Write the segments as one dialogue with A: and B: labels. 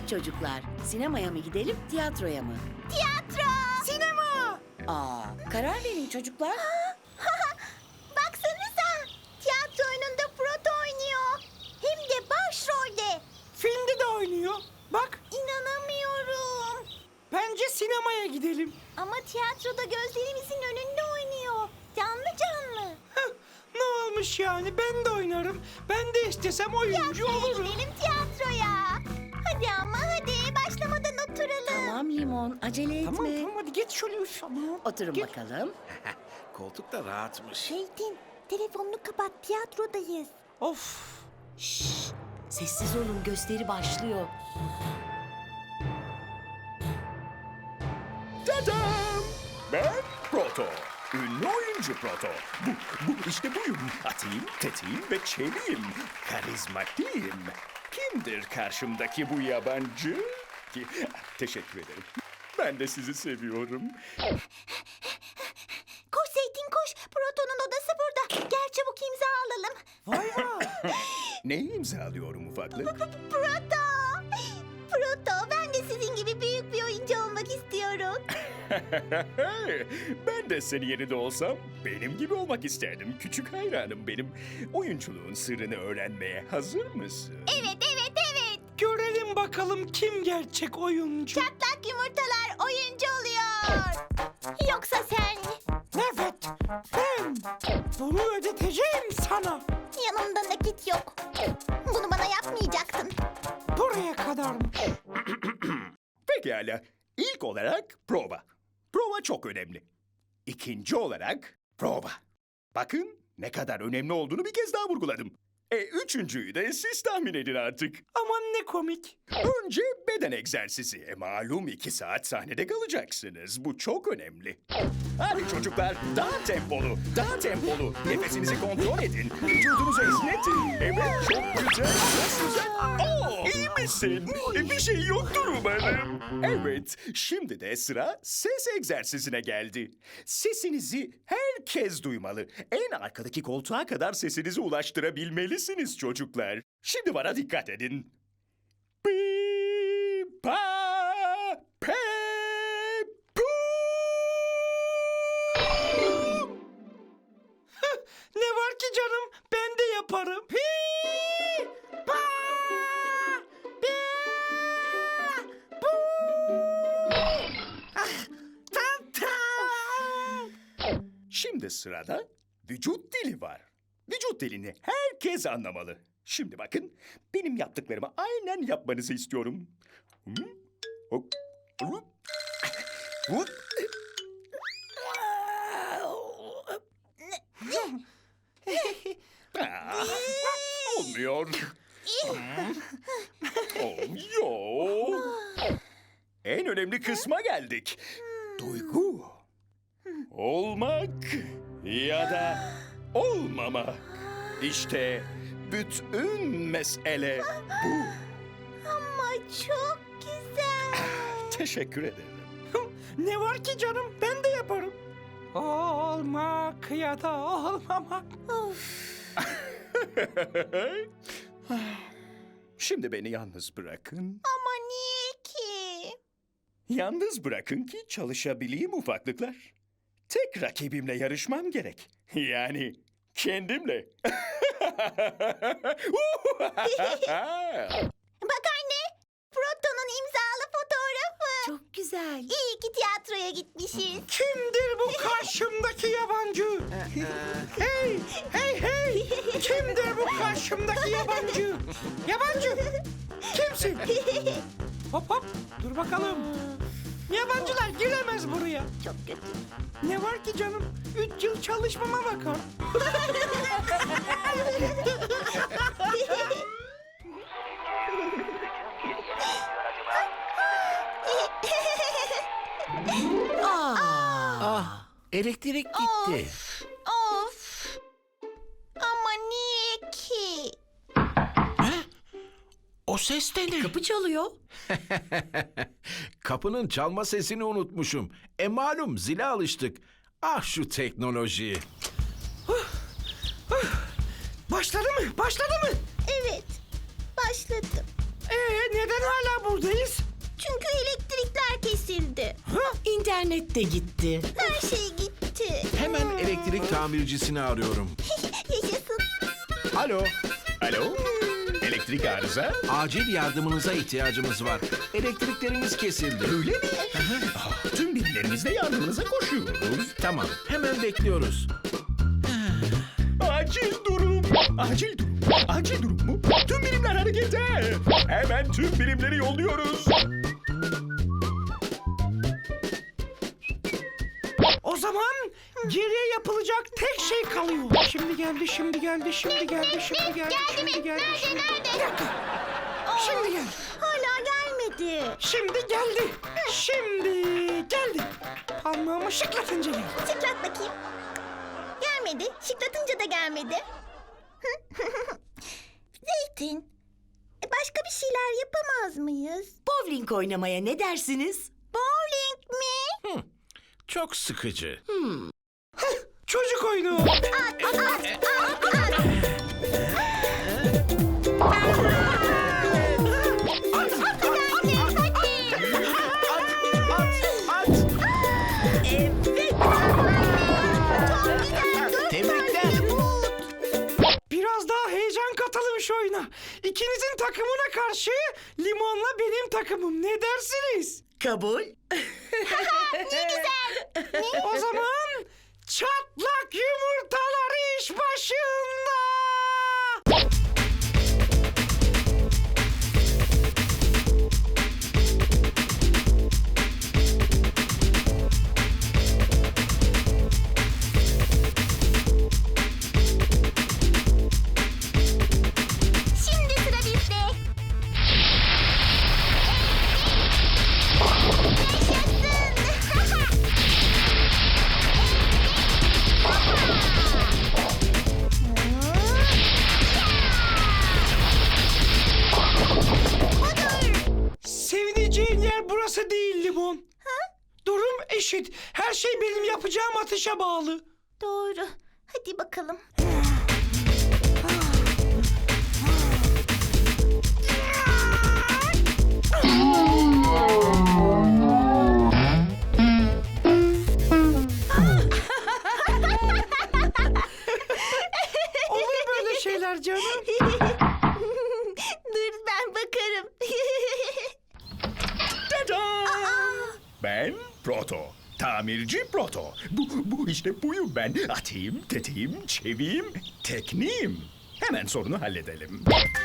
A: çocuklar, sinemaya mı gidelim, tiyatroya mı?
B: Tiyatro!
C: Sinema!
A: Karar verin çocuklar.
B: Baksanıza! Tiyatro oyununda Proto oynuyor. Hem de başrolde.
C: Filmde de oynuyor. Bak,
B: İnanamıyorum.
C: bence sinemaya gidelim.
B: Ama tiyatroda gözlerimizin önünde oynuyor. Canlı canlı.
C: Heh, ne olmuş yani? Ben de oynarım. Ben de istesem oyuncu
B: Tiyatroya
C: olurum.
B: gidelim tiyatroya. Hadi ama hadi başlamadan oturalım.
A: Tamam Limon, acele etme.
C: Tamam tamam hadi geç şöyle üf. Aman.
A: Oturun
C: Gel.
A: bakalım.
D: Koltuk da rahatmış.
B: Zeytin, telefonunu kapat, tiyatrodayız.
C: Of.
A: Sessiz olun, gösteri başlıyor.
D: Tadam! Ben Proto. Ünlü oyuncu Proto. Bu işte buyum. Atayım, tetiğim ve çeliyim. Karizmatiğim. Kimdir karşımdaki bu yabancı? Ki, teşekkür ederim. Ben de sizi seviyorum.
B: Koş Zeytin koş, Proto'nun odası burada. Gel çabuk imza alalım.
C: Vay vay.
D: Neyi imzalıyorum ufaklık?
B: Proto! Proto, ben de sizin gibi büyük bir oyuncu olmak istiyorum.
D: Ben de senin yerinde olsam benim gibi olmak isterdim. Küçük hayranım benim. Oyunculuğun sırrını öğrenmeye hazır mısın?
B: Evet, evet, evet.
C: Görelim bakalım kim gerçek oyuncu.
B: Çatlak yumurtalar oyuncu oluyor. Yoksa sen
C: Evet, ben bunu ödeteceğim sana.
B: yanımda nakit yok. Bunu bana yapmayacaktın.
C: Buraya kadarmış.
D: Pekala. İlk olarak prova. Prova çok önemli. İkinci olarak prova. Bakın ne kadar önemli olduğunu bir kez daha vurguladım. Üçüncüyü de siz tahmin edin artık.
C: Aman ne komik.
D: Önce beden egzersizi. Malum 2 saat sahnede kalacaksınız. Bu çok önemli. Hadi çocuklar daha tempolu, daha tempolu. Nefesinizi kontrol edin. Vücudunuzu esnetin. Evet çok güzel, çok güzel. İyi misin? Bir şey yoktur umarım. Evet, şimdi de sıra ses egzersizine geldi. Sesinizi herkes duymalı. En arkadaki koltuğa kadar sesinizi ulaştırabilmelisiniz çocuklar. Şimdi bana dikkat edin. Pi, pa, pe, pu.
C: Ne var ki canım? Ben de yaparım. Hi, pa, bi, bu. Ah, tam tam.
D: Şimdi sırada vücut dili var. Vücut dilini herkes anlamalı. Şimdi bakın, benim yaptıklarımı aynen yapmanızı istiyorum. Hop, hop, hop. Olmuyor. Olmuyor. En önemli kısma geldik. Duygu. Olmak ya da olmama. İşte bütün mesele bu.
B: Ama çok güzel.
D: Teşekkür ederim.
C: Ne var ki canım? Ben de yaparım. Olmak ya da olmamak.
D: Şimdi beni yalnız bırakın.
B: Ama niye ki?
D: Yalnız bırakın ki çalışabileyim ufaklıklar. Tek rakibimle yarışmam gerek. Yani kendimle.
B: Bak anne, Proto'nun imzalı fotoğrafı.
A: Çok güzel.
B: İyi ki tiyatroya gitmişiz.
C: Kimdir bu karşımdaki yabancı? Hey, hey, hey! Kimdir bu karşımdaki yabancı? Yabancı! Kimsin? Hop hop, dur bakalım. Yabancılar giremez buraya.
B: Çok kötü.
C: Ne var ki canım? 3 yıl çalışmama bakar.
A: Aa,
E: Elektrik gitti.
B: Of. Ama niye ki?
E: O ses de ne?
A: kapı çalıyor.
E: Kapının çalma sesini unutmuşum. Malum zile alıştık. Ah şu teknoloji.
C: Başladı mı? Başladı mı?
B: Evet, başladım.
C: Neden hala buradayız?
B: Çünkü elektrikler kesildi.
A: İnternet de gitti.
B: Her şey gitti.
E: Hemen elektrik tamircisini arıyorum.
B: Yaşasın.
E: Alo,
D: Alo? Elektrik arıza?
E: acil yardımınıza ihtiyacımız var. Elektriklerimiz kesildi.
D: Öyle mi? Tüm birimlerimizle yardımınıza koşuyoruz.
E: Tamam, hemen bekliyoruz.
D: Acil durum. Acil durum. Acil durum mu? Tüm birimler harekete. Hemen tüm birimleri yolluyoruz.
C: O zaman geriye yapılacak tek şey kalıyor. Şimdi geldi, şimdi geldi, şimdi geldi, şimdi geldi, şimdi geldi, şimdi geldi. Bir dakika. Şimdi geldi.
B: Hala gelmedi.
C: Şimdi geldi. Şimdi geldi. Parmağımı şıklatınca geldi.
B: Şıklat bakayım. Gelmedi. Şıklatınca da gelmedi. Zeytin. Başka bir şeyler yapamaz mıyız?
A: Bowling oynamaya ne dersiniz?
B: Bowling mi?
E: Çok sıkıcı.
C: Çocuk oyunu.
E: Tebrikler.
C: Biraz daha heyecan katalım şu oyuna. İkinizin takımına karşı Limon'la benim takımım. Ne dersiniz?
A: Kabul.
C: O zaman çatlak yumurtalar iş başında.
B: Şimdi sıra bizde. Yaşasın.
C: Sevineceğin yer burası değil Limon. Durum eşit. Her şey benim yapacağım atışa bağlı.
B: Doğru. Hadi bakalım.
C: Olur böyle şeyler canım.
B: Dur ben bakarım.
D: Tada! Ben Proto. Tamirci Proto. Bu işte buyum ben. Atayım, tetiğim, çeviyim, tekniğim. Hemen sorunu halledelim.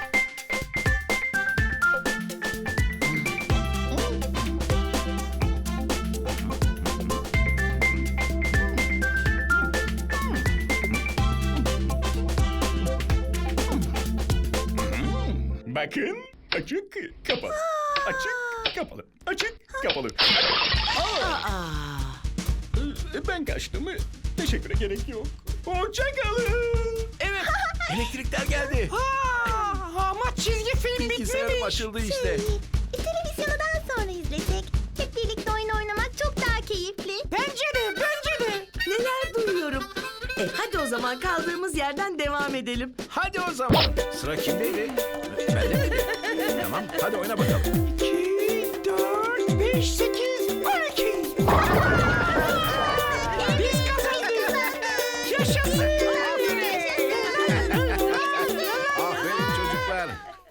D: Bakın, açık, kapalı. Açık, kapalı. Açık, kapalı.
A: Aa.
D: Ben kaçtım. Teşekküre gerek yok. Hoşçakalın.
E: Evet, elektrikler geldi.
C: Ama çizgi film
E: Bilgisayarım
C: bitmemiş.
E: açıldı işte.
B: Televizyonu daha sonra izlesek. Hep birlikte oyun oynamak çok daha keyifli.
C: Bence de, bence de.
A: Neler duyuyorum. Hadi o zaman kaldığımız yerden devam edelim.
E: Hadi o zaman. Sıra kimdeydi? Bende miydi? Tamam, hadi oyna bakalım.
C: 2, 4, 5, 8, 12. Biz kazandık. Yaşasın.
E: Aferin çocuklar.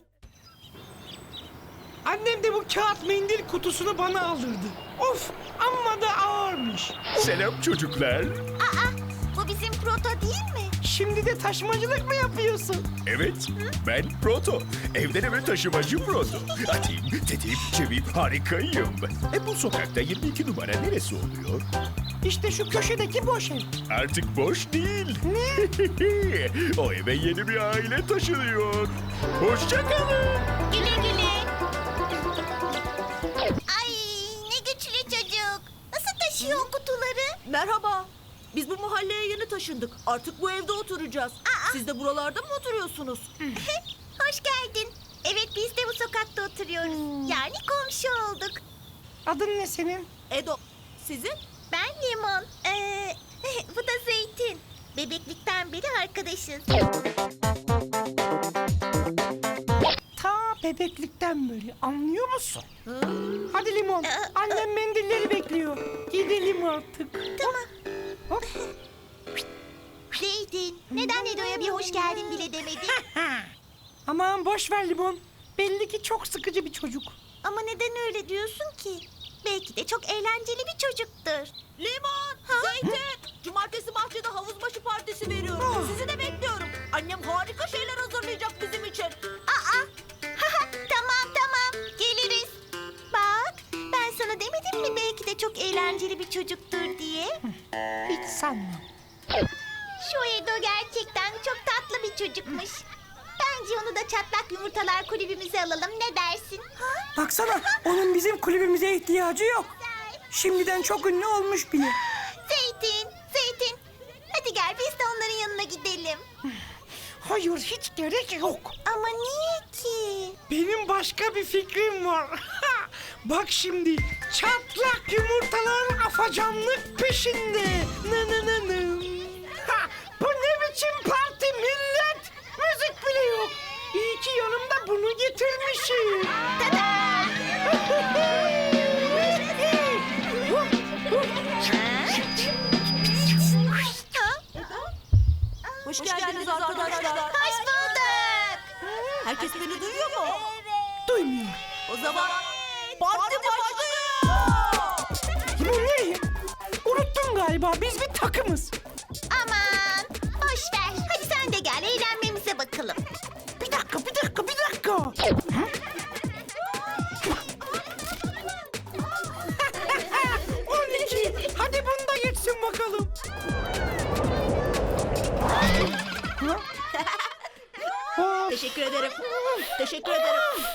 C: Annem de bu kağıt mendil kutusunu bana aldırdı. Of, amma da ağırmış.
D: Selam çocuklar.
B: Aa, bu bizim proto değil mi?
C: Şimdi de taşımacılık mı yapıyorsun?
D: Evet, ben Proto. Evden eve taşımacı Proto. Atayım, tetiğim, çeviyim, harikayım. Bu sokakta 22 numara neresi oluyor?
C: İşte şu köşedeki boş ev.
D: Artık boş değil. O eve yeni bir aile taşınıyor. Hoşçakalın.
B: Güle güle. Ay ne güçlü çocuk. Nasıl taşıyor o kutuları?
F: Merhaba. Biz bu mahalleye yeni taşındık. Artık bu evde oturacağız. Siz de buralarda mı oturuyorsunuz?
B: Hoş geldin. Evet biz de bu sokakta oturuyoruz. Yani komşu olduk.
C: Adın ne senin?
F: Edo. Sizin?
B: Ben Limon. Bu da Zeytin. Bebeklikten beri arkadaşız.
C: Ta Bebeklikten böyle, anlıyor musun? Hadi Limon, annem mendilleri bekliyor. Gidelim artık.
B: Tamam.
C: Hop.
B: Zeytin, neden Edo'ya bir hoş geldin bile demedin?
C: Aman boş ver Limon. Belli ki çok sıkıcı bir çocuk.
B: Ama neden öyle diyorsun ki? Belki de çok eğlenceli bir çocuktur.
F: Limon, Zeytin. Cumartesi bahçede havuz başı partisi veriyorum. Sizi de bekliyorum. Annem harika şeyler hazırlayacak bizim için.
B: Aa, tamam, geliriz. Bak, ben sana demedim mi belki de çok eğlenceli bir çocuktur diye?
C: Hiç sanmam.
B: Şu Edo gerçekten çok tatlı bir çocukmuş. Bence onu da çatlak yumurtalar kulübümüze alalım, ne dersin?
C: Baksana, onun bizim kulübümüze ihtiyacı yok. Şimdiden çok ünlü olmuş bile.
B: Zeytin. Hadi gel biz de onların yanına gidelim.
C: Hayır, hiç gerek yok.
B: Ama niye ki?
C: Benim başka bir fikrim var. Bak şimdi, çatlak yumurtalar afacanlık peşinde. Bu ne biçim parti millet? Müzik bile yok. İyi ki yanımda bunu getirmişim.
F: Hoş geldiniz arkadaşlar.
B: Hoş bulduk.
F: Herkes beni duyuyor mu?
C: Duymuyor.
F: O zaman parti başlıyor.
C: Bu ne? Unuttun galiba, biz bir takımız.
B: Aman boş ver. Hadi sen de gel eğlenmemize bakalım.
C: Bir dakika. 12. Hadi bunu da geçsin bakalım.
F: Teşekkür ederim. Teşekkür ederim.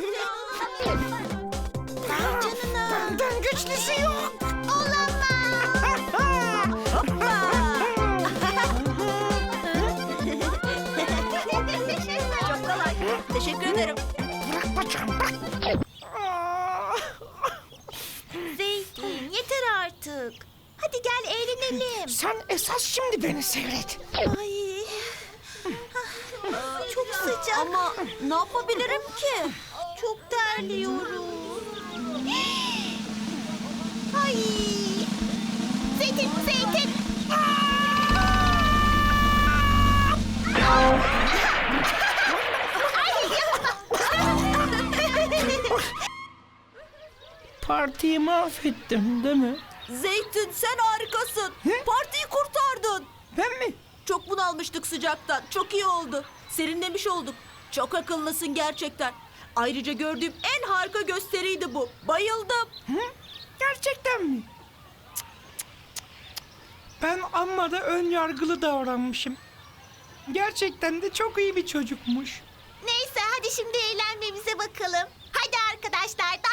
C: Benden güçlüsü yok.
F: Çok kolay. Teşekkür ederim.
C: Bırak bacağım, bırak.
B: Zeytin yeter artık. Hadi gel eğlenelim.
C: Sen esas şimdi beni seyret.
B: Ay. Çok sıcak.
F: Ama ne yapabilirim ki?
B: Çok terliyorum. Ay. Zeytin.
C: Partiyi mahvettim değil mi?
F: Zeytin sen harikasın. Partiyi kurtardın.
C: Ben mi?
F: Çok bunalmıştık sıcaktan. Çok iyi oldu. Serinlemiş olduk. Çok akıllısın gerçekten. Ayrıca gördüğüm en harika gösteriydi bu. Bayıldım.
C: Gerçekten mi? Ben amma da ön yargılı davranmışım. Gerçekten de çok iyi bir çocukmuş.
B: Neyse hadi şimdi eğlenmemize bakalım. Hadi arkadaşlar